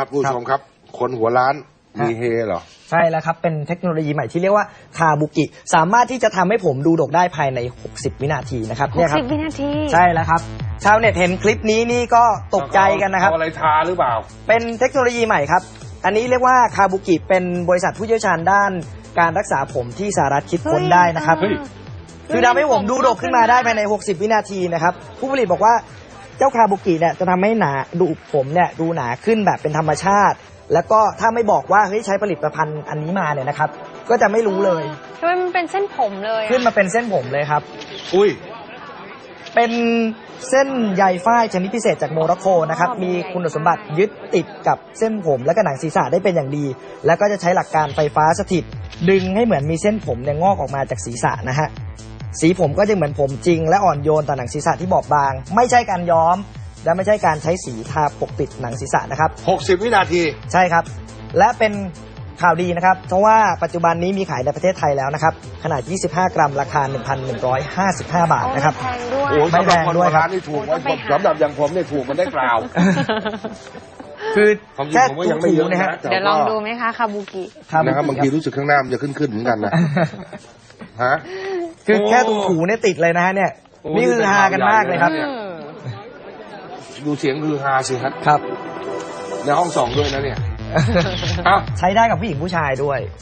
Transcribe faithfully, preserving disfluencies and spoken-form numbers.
ครับผู้ชมครับคนหัวล้านมีเฮเหรอใช่แล้วครับเป็นเทคโนโลยีใหม่ที่เรียกว่าคาบุกิสามารถที่จะทำให้ผมดูดกได้ภายในหกสิบวินาทีนะครับหกสิบวินาทีใช่แล้วครับชาวเน็ตเห็นคลิปนี้นี่ก็ตกใจกันนะครับเอาอะไรทาหรือเปล่าเป็นเทคโนโลยีใหม่ครับอันนี้เรียกว่าคาบุกิเป็นบริษัทผู้เชี่ยวชาญด้านการรักษาผมที่สหรัฐคิดค้นได้นะครับคือทำให้ผมดูดกขึ้นมาได้ภายในหกสิบวินาทีนะครับผู้ผลิตบอกว่าเจ้าคาบุกิเนี่ยจะทำให้หนาดูผมเนี่ยดูหนาขึ้นแบบเป็นธรรมชาติแล้วก็ถ้าไม่บอกว่าเฮ้ยใช้ผลิตภัณฑ์อันนี้มาเนี่ยนะครับก็จะไม่รู้เลยทำไมมันเป็นเส้นผมเลยขึ้นมาเป็นเส้นผมเลยครับอุ้ยเป็นเส้นใยฝ้ายชนิดพิเศษจากโมร็อกโกนะครับมีคุณสมบัติยึดติดกับเส้นผมและก็หนังศีรษะได้เป็นอย่างดีแล้วก็จะใช้หลักการไฟฟ้าสถิตดึงให้เหมือนมีเส้นผมเนี่ยงอกออกมาจากศีรษะนะฮะสีผมก็จะเหมือนผมจริงและอ่อนโยนต่อหนังศีรษะที่บอบบางไม่ใช่การย้อมและไม่ใช่การใช้สีทาปกปิดหนังศีรษะนะครับหกสิบวินาทีใช่ครับและเป็นข่าวดีนะครับเพราะว่าปัจจุบันนี้มีขายในประเทศไทยแล้วนะครับขนาดยี่สิบห้ากรัมราคา หนึ่งพันหนึ่งร้อยห้าสิบห้า บาทนะครับแพงด้วยโอ้ไม่แพงด้วยร้านนี่ถูกสำหรับอย่างผมเนี่ยถูกมันได้กล่าวคือแค่ถูกนะฮะเดี๋ยวลองดูไหมคะคาบุกินะครับบางทีรู้สึกข้างหน้ามันจะขึ้นขึ้นเหมือนกันนะฮะคือแค่ถูๆเนี่ยติดเลยนะฮะเนี่ยนี่คือฮากันมากเลยครับดูเสียงคือฮาสิครับครับในห้องสองด้วยนะเนี่ยใช้ได้กับผู้หญิงผู้ชายด้วย